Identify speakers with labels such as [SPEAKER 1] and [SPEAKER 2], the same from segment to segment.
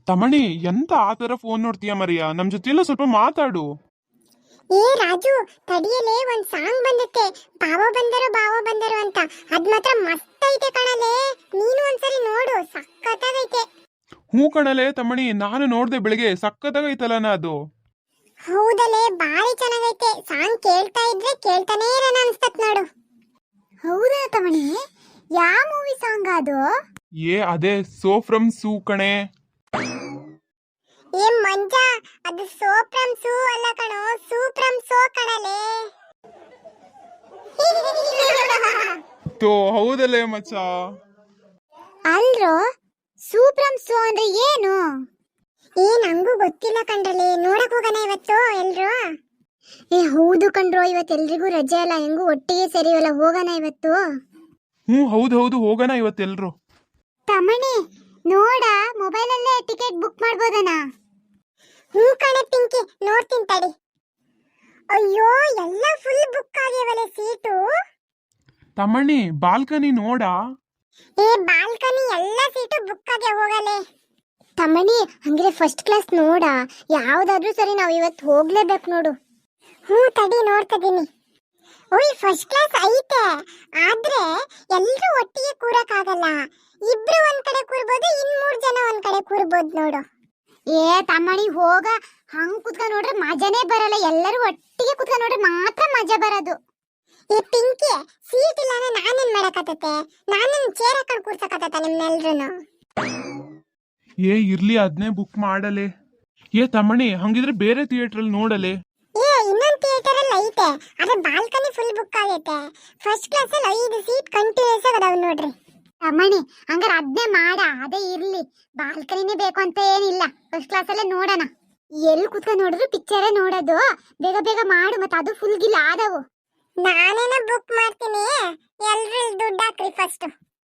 [SPEAKER 1] ತಮಣಿ ಎಂತ ಆತರ phone ನೋಡ್ತೀಯ Maria? ನಮ್ ಜೊತೆಲ್ಲ ಸ್ವಲ್ಪ ಮಾತಾಡು.
[SPEAKER 2] ಏ ರಾಜು, ತಡಿಯಲೇ ಒಂದ್ ಸಾಂಗ್ ಬಂದತ್ತೆ, ಬಾವ ಬಂದರು ಅಂತ. ಅದ್ ಮಾತ್ರ ಮಸ್ತ್ ಐತೆ ಕಣಲೇ, ನೀನು ಒಂದ್ಸರಿ ನೋಡು, ಸಕ್ಕತ್ತಾಗೈತೆ.
[SPEAKER 1] ಹೂ ಕಣಲೆ ತಮಣಿ, ನಾನು ನೋಡ್ದೆ ಬೆಳಿಗ್ಗೆ, ಸಕ್ಕತ್ತಾಗೈತಲ್ಲನ ಅದು.
[SPEAKER 2] ಹೌದಲೇ, ಬಾರಿ ಚೆನ್ನಾಗೈತೆ. ಸಾಂಗ್ ಕೇಳ್ತಾ ಇದ್ರೆ ಕೇಳ್ತಾನೇ ಇರೋಣ ಅನ್ಸ್ತತ್ ನೋಡು. ಹೌದಾ ತಮಣಿ, ಯಾವ ಮೂವಿ ಸಾಂಗ್ ಅದು?
[SPEAKER 1] ಅದೇ ಸೋ ಫ್ರಮ್ ಸೂ ಕಣೆ.
[SPEAKER 2] ಏ ಮಂಜ, ಅದು ಸೋ ಫ್ರಮ್ ಸೂ ಅಲ್ಲ ಕಣೋ, ಸೂ ಫ್ರಮ್ ಸೋ ಕಣಲೇ.
[SPEAKER 1] ತೋ ಹೌದಲ್ಲೇ ಮಚ್ಚ.
[SPEAKER 2] ಅಲ್ರೋ, ಸೂ ಫ್ರಮ್ ಸೋ ಅಂದ್ರೆ ಏನು? ನಂಗೂ ಗೊತ್ತಿಲ್ಲ ಕಂಡ್ರಲೆ, ನೋಡಕ್ ಹೋಗೋಣ ಇವತ್ತು ಎಲ್ರು. ಹೌದು ಕಣ್ರೋ, ಇವತ್ತು ಎಲ್ರಿಗೂ ರಜೆ ಅಲ್ಲ, ಹೆಂಗೂ ಒಟ್ಟಿಗೆ ಸೇರಿವಲ್ಲ, ಹೋಗೋಣ ಇವತ್ತು.
[SPEAKER 1] ಹೌದು ಹೋಗೋಣ ಇವತ್ತೆಲ್ರು.
[SPEAKER 2] ತಮಣಿ ನೋಡ, ಮೊಬೈಲ್ ಅಲ್ಲೇ ಟಿಕೆಟ್ ಬುಕ್ ಮಾಡ್ಬೋದನ? ಕಣೆ ಪಿಂಕಿ, ನೋಡ್ತೀನಿ ತಡಿ. ಅಯ್ಯೋ, ಎಲ್ಲ ಫುಲ್ ಬುಕ್ ಆಗ್ಯಾವಲ್ಲ ಸೀಟು.
[SPEAKER 1] ತಮಣಿ ಬಾಲ್ಕನಿ ನೋಡ.
[SPEAKER 2] ಬಾಲ್ಕನಿ ಎಲ್ಲ ಸೀಟು ಬುಕ್ ಆಗ್ಯಾವ, ಹೋಗಲೇ. ತಮಣಿ ಹಂಗಿದ್ರೆ ಫಸ್ಟ್ ಕ್ಲಾಸ್ ನೋಡ, ಯಾವ್ದಾದ್ರೂ ಸರಿ, ನಾವ್ ಇವತ್ತು ಹೋಗ್ಲೇಬೇಕು ನೋಡು. ತಡಿ ನೋಡ್ತಿದ್ದೀನಿ. ಫಸ್ಟ್ ಕ್ಲಾಸ್ ಐತೆ, ಆದ್ರೆ ಎಲ್ರು ಒಟ್ಟಿಗೆ ಕೂರಕ್ ಆಗಲ್ಲ. ಇಬ್ರು ಒಂದ್ ಕಡೆ ಕೂರ್ಬೋದು, ಇನ್ 3 ಜನ ಒಂದ್ ಕಡೆ ಕೂರ್ಬೋದು ನೋಡು. ತಮ್ಮಣಿ ಹೋಗ, ಹಂಗ್ ಕುತ್ಕೊಂಡ್ ನೋಡ್ರೆ ಮಜಾನೇ ಬರಲ್ಲ. ಎಲ್ಲರೂ ಒಟ್ಟಿಗೆ ಕುತ್ಕೊಂಡ್ ನೋಡ್ರೆ ಮಾತ್ರ ಮಜಾ ಬರೋದು. ಪಿಂಕಿ, ಸೀಟ್ ಇಲ್ಲ ಅಂದ್ರೆ ನಾನೇನ್ ಮಾಡಕತ್ತತೆ? ನಾನೇನ್ ಚೇರ್ ಹಾಕೊಂಡ್ ಕೂರ್ಸಕತ್ತ ನಿಮ್ನೆಲ್ರುನು?
[SPEAKER 1] ಇರ್ಲಿ, ಅದನ್ನೇ ಬುಕ್ ಮಾಡಲೆ. ತಮಣಿ ಹಂಗಿದ್ರೆ ಬೇರೆ ಥಿಯೇಟರ್ ಅಲ್ಲಿ ನೋಡಲೆ.
[SPEAKER 2] ಇನ್ನೊಂದ್ ಥಿಯೇಟರ್ ಅಲ್ಲಿ ಐತೆ, ಆದ್ರೆ ಬಾಲ್ಕನಿ ಫುಲ್ ಬುಕ್ ಆಗೈತೆ. ಫಸ್ಟ್ ಕ್ಲಾಸ್ ಅಲ್ಲಿ 5 ಸೀಟ್ ಕಂಟಿನ್ಯೂಸ್ ಅದಾವ ನೋಡ್ರಿ. ತಮ್ಮಣಿ ಹಂಗಾರೆ ಅದ್ನೇ ಮಾಡ, ಅದೇ ಇರ್ಲಿ. ಬಾಲ್ಕನಿನೇ ಬೇಕು ಅಂತ ಏನಿಲ್ಲ, ಫಸ್ಟ್ ಕ್ಲಾಸ್ ಅಲ್ಲೇ ನೋಡೋಣ. ಎಲ್ಲಿ ಕುತ್ಕೊಂಡು ನೋಡಿದ್ರು ಪಿಕ್ಚರೇ ನೋಡೋದು. ಬೇಗ ಬೇಗ ಮಾಡು, ಮತ್ತೆ ಅದು ಫುಲ್ ಗಿಲ್ ಆದವು. ನಾನೇನ ಬುಕ್ ಮಾಡ್ತೀನಿ, ಎಲ್ರು ದುಡ್ಡು ಹಾಕ್ರಿ ಫಸ್ಟ್.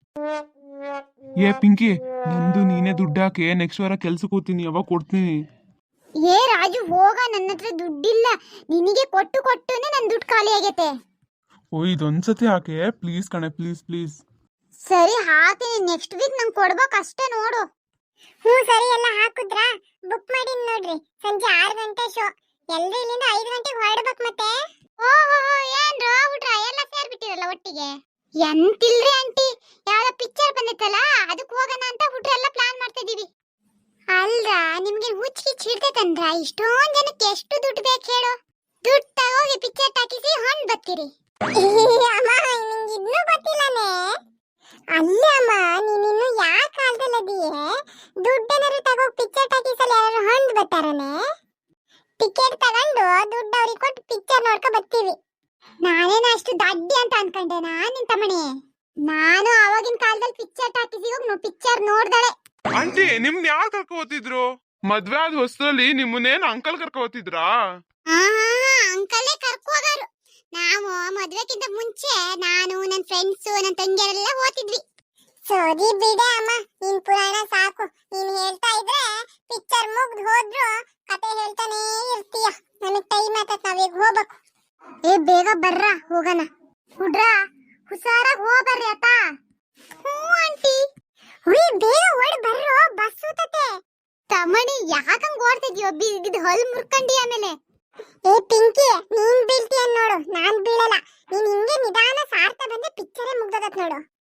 [SPEAKER 1] ಪಿಂಕಿ, ನಂದು ನೀನೇ ದುಡ್ಡು ಹಾಕಿ, ನೆಕ್ಸ್ಟ್ ವಾರ ಕೆಲ್ಸಕ್ಕೆ ಹೋಗ್ತೀನಿ, ಯಾವಾಗ ಕೊಡ್ತೀನಿ.
[SPEAKER 2] ರಾಜು ಹೋಗ, ನನ್ನ ಹತ್ರ ದುಡ್ಡಿಲ್ಲ. ನಿನಗೆ ಕೊಟ್ಟುನೆ ನನ್ನ ದುಡ್ಡು ಖಾಲಿ ಆಗೈತೆ.
[SPEAKER 1] ಇದೊಂದ್ಸತಿ ಹಾಕೆ ಪ್ಲೀಸ್ ಕಣೆ, ಪ್ಲೀಸ್.
[SPEAKER 2] ಸರಿ ಹಾಕ್ತೀನಿ, ನೆಕ್ಸ್ಟ್ ವೀಕ್ ನಂಗೆ ಕೊಡ್ಬೇಕು ಅಷ್ಟೇ ನೋಡು. ಸರಿ, ಎಲ್ಲ ಹಾಕುದ್ರಾ? ಬುಕ್ ಮಾಡಿ ನೋಡ್ರಿ, ಸಂಜೆ 6 ಗಂಟೆ ಶೋ. ಎಲ್ರು ಇಲ್ಲಿಂದ 5 ಗಂಟೆಗೆ ಹೊರಡ್ಬೇಕು ಮತ್ತೆ. ಏನ್ರ ಊಟ ಎಲ್ಲ ಸೇರ್ಬಿಟ್ಟಿರಲ್ಲ ಒಟ್ಟಿಗೆ? ಎಂತಿಲ್ರಿ ಆಂಟಿ, ಯಾವ್ದೋ ಪಿಕ್ಚರ್ ಬಂದಿತ್ತಲ್ಲ, ಅದಕ್ಕೆ ಹೋಗೋಣ ಅಂತ ಹುಟ್ರೆಲ್ಲ ಪ್ಲಾನ್ ಮಾಡ್ತಾ ಇದೀವಿ. ಅಲ್ರ, ನಿಮ್ಗೆ ಹುಚ್ಚಿಗೆ ಹಿಡ್ತೈತಂದ್ರ? ಇಷ್ಟೊಂದ್ ಜನಕ್ಕೆ ಎಷ್ಟು ದುಡ್ಡು ಬೇಕು ಹೇಳು? ದುಡ್ಡು ತಗೋಗಿ ಪಿಕ್ಚರ್ ಟಾಕಿಸಿ ಹೊಂಡ್ ಬರ್ತೀರಿ. ಅಮ್ಮ, ನಿಂಗೆ ಇನ್ನೂ ಗೊತ್ತಿಲ್ಲನೇ? ಅಲ್ಲ ಅಮ್ಮ, ನೀನಿನ್ನು ಯಾವ ಕಾಲದಲ್ಲಿ ಅದೀಯೇ? ದುಡ್ಡೇನಾದ್ರು ತಗೋ, ಪಿಕ್ಚರ್ ಟಾಕೀಸಲ್ಲಿ ಯಾರು ಹೊಂಡ್ ಬರ್ತಾರನೆ? ಟಿಕೆಟ್ ತಗೊಂಡು ದುಡ್ಡು ಅವ್ರಿಗೆ ಕೊಟ್ಟು ಪಿಕ್ಚರ್ ನೋಡ್ಕೊ ಬರ್ತೀವಿ. ನಾನೇನ ಅಷ್ಟು ದಡ್ಡಿ ಅಂತ ಅನ್ಕೊಂಡೆನಾ ನಿನ್ ತಮ್ಮಣಿ? ನಾನು ಆವಾಗಿನ ಕಾಲದಲ್ಲಿ ಪಿಕ್ಚರ್ ಟಾಕೀಸಿಗೆ ಹೋಗಿ ಪಿಕ್ಚರ್ ನೋಡ್ದಳೆ.
[SPEAKER 1] ಆಂಟಿ, ನಿಮ್ನ ಯಾರು ಕರ್ಕೊ ಹೋಗ್ತಿದ್ರು? ಮದ್ವೆ ಆದ ಹೊಸದಲ್ಲಿ ನಿಮ್ಮನ್ನೇನು ಅಂಕಲ್ ಕರ್ಕೊ ಹೋಗ್ತಿದ್ರಾ?
[SPEAKER 2] ಅಂಕಲೇ ಕರ್ಕೊ ಹೋಗಾರು. ನಾವು ಮದ್ವೆಕ್ಕಿಂತ ಮುಂಚೆ ನಾನು, ನನ್ನ ಫ್ರೆಂಡ್ಸ್, ನನ್ನ ತಂಗಿಯರೆಲ್ಲ ಹೋಗ್ತಿದ್ವಿ. ಸರಿ ಬಿಡೆ ಅಮ್ಮ, ನಿನ್ ಪುರಾಣ ಸಾಕು. ನೀನ್ ಹೇಳ್ತಾ ಇದ್ರೆ ಪಿಕ್ಚರ್ ಮುಗ್ದು ಹೋದ್ರು ಕತೆ ಹೇಳ್ತಾನೇ ಇರ್ತೀಯ. ನನಗ್ ಟೈಮ್ ಆತತ್, ನಾವೀಗ ಹೋಗ್ಬೇಕು. ಬೇಗ ಬರ್ರ, ಹೋಗೋಣ. ಹುಡ್ರ ಹುಷಾರಾಗಿ ಹೋಗ್ಬರ್ರಿ ಆತ. ಆಂಟಿ. ಬೇಗ ಓಡ್ ಬರ್ರೋ, ಬಸ್ ಸೂತತೆ. ತಮಣಿ ಯಾಕಂಗ್ ಓಡ್ತಿದ್ಯೋ? ಬಿಗಿದ್ ಹೊಲ್ ಮುರ್ಕಂಡಿ ಆಮೇಲೆ. ಪಿಂಕಿ, ನೀನ್ ಬೀಳ್ತೀಯ ನೋಡು, ನಾನ್ ಬೀಳಲ್ಲ. ನೀನ್ ಹಿಂಗೆ ನಿಧಾನ ಸಾರ್ತಾ ಬಂದ್ರೆ ಪಿಕ್ಚರೇ ಮುಗ್ದೋಗತ್ ನೋಡು.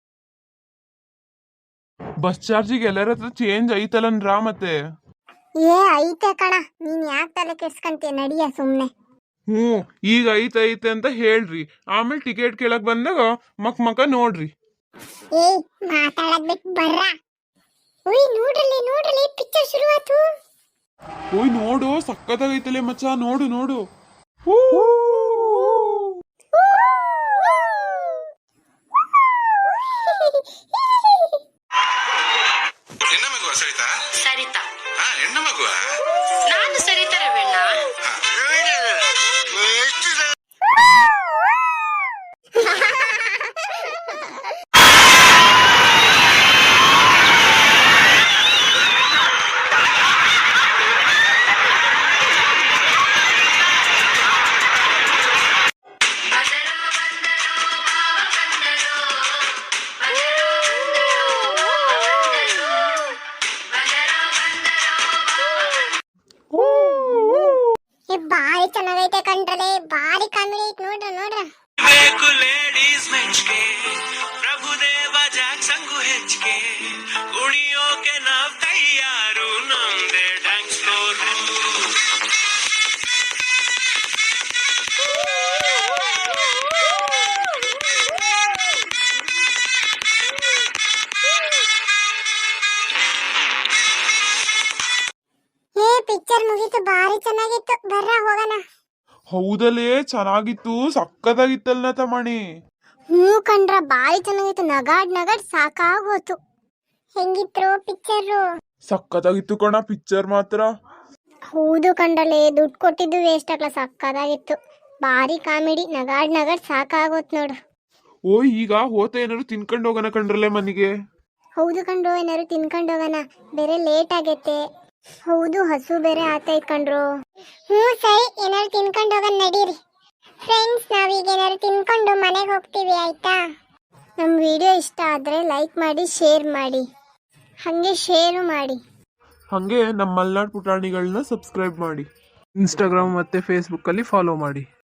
[SPEAKER 1] ಬಸ್ ಚಾರ್ಜಿಗೆ ಎಲ್ಲರ ಹತ್ರ ಚೇಂಜ್ ಐತಲ್ಲನ್ರಾ ಮತ್ತೆ?
[SPEAKER 2] ಐತೆ ಕಣ, ನೀನ್ ಯಾಕೆ ತಲೆ ಕೆಡ್ಸ್ಕಂತೀಯ? ನಡಿಯ ಸುಮ್ನೆ.
[SPEAKER 1] ಈಗ ಐತೆ ಅಂತ ಹೇಳ್ರಿ, ಆಮೇಲೆ ಟಿಕೆಟ್ ಕೇಳಕ್ ಬಂದಾಗ ಮಕ ನೋಡ್ರಿ.
[SPEAKER 2] ಮಾತಾಡಕ್ ಬಿಟ್ಟು ಬರ್ರ. ನೋಡ್ರಲಿ ಪಿಕ್ಚರ್ ಶುರುವಾತು.
[SPEAKER 1] ನೋಡು, ಸಕ್ಕತ್ತಾಗೈತಲೆ ಮಚ್ಚ, ನೋಡು.
[SPEAKER 3] ಹೆಣ್ಣ ಮಗುವ ಸರಿತಾ?
[SPEAKER 4] ಸರಿತಾ?
[SPEAKER 3] ಹೆಣ್ಣ ಮಗುವ?
[SPEAKER 4] ನಾನು ಸರಿತಾ ರವಣ್ಣ.
[SPEAKER 2] ಪಿಕ್ಚರ್ ಮುಗೀತು, ಬಾರಿ ಚೆನ್ನಾಗಿತ್ತು. ಬರ್ರ ಹೋಗೋಣ.
[SPEAKER 1] ಹೌದಲ್ಲೇ ಚೆನ್ನಾಗಿತ್ತು, ಸಕ್ಕತ್ತಾಗಿತ್ತಲ್ಲ ತಮ್ಮಣಿ.
[SPEAKER 2] ಹ್ಞೂ ಕಣ್ರ, ಬಾರಿ ಚೆನ್ನಾಗಿತ್ತು. ನಗಾಡ್ ಸಾಕಾಗೋತು. ಹೆಂಗಿತ್ತು ಪಿಕ್ಚರು?
[SPEAKER 1] ಸಕ್ಕತ್ತಾಗಿತ್ತು ಕಣ ಪಿಕ್ಚರ್ ಮಾತ್ರ.
[SPEAKER 2] ಹೌದು ಕಂಡ್ರಲೆ, ದುಡ್ಡು ಕೊಟ್ಟಿದ್ದು ವೇಸ್ಟ್ ಆಗ್ಲ. ಸಕ್ಕದಾಗಿತ್ತು, ಬಾರಿ ಕಾಮಿಡಿ. ನಗಾಡ್ ಸಾಕಾಗೋತ್ ನೋಡು.
[SPEAKER 1] ಓ ಈಗ ಹೋತ ಏನಾರು ತಿನ್ಕೊಂಡು ಹೋಗೋಣ ಕಣ್ರಲ್ಲೇ ಮನೆಗೆ.
[SPEAKER 2] ಹೌದು ಕಂಡ್ರು, ಏನಾರು ತಿನ್ಕೊಂಡು ಹೋಗೋಣ, ಬೇರೆ ಲೇಟ್ ಆಗೈತೆ. ಹೌದು, ಹಸು ಬೇರೆ ಆತೈತ್ ಕಂಡ್ರು. ಹ್ಞೂ ಸರಿ, ಏನಾರು ತಿನ್ಕೊಂಡು ಹೋಗೋಣ ನಡೀರಿ. ಫ್ರೆಂಡ್ಸ್, ನಾವೀಗ ಏನಾರು ತಿನ್ಕೊಂಡು ಮನೆಗೆ ಹೋಗ್ತೀವಿ, ಆಯ್ತಾ? ನಮ್ಮ ವಿಡಿಯೋ ಇಷ್ಟ ಆದರೆ ಲೈಕ್ ಮಾಡಿ, ಶೇರ್ ಮಾಡಿ, ಹಾಗೆ ಶೇರು ಮಾಡಿ.
[SPEAKER 1] ಹಾಗೆ ನಮ್ಮ ಮಲ್ನಾಡ್ ಪುಟಾಣಿಗಳನ್ನ ಸಬ್ಸ್ಕ್ರೈಬ್ ಮಾಡಿ, ಇನ್ಸ್ಟಾಗ್ರಾಮ್ ಮತ್ತೆ ಫೇಸ್ಬುಕ್ಕಲ್ಲಿ ಫಾಲೋ ಮಾಡಿ.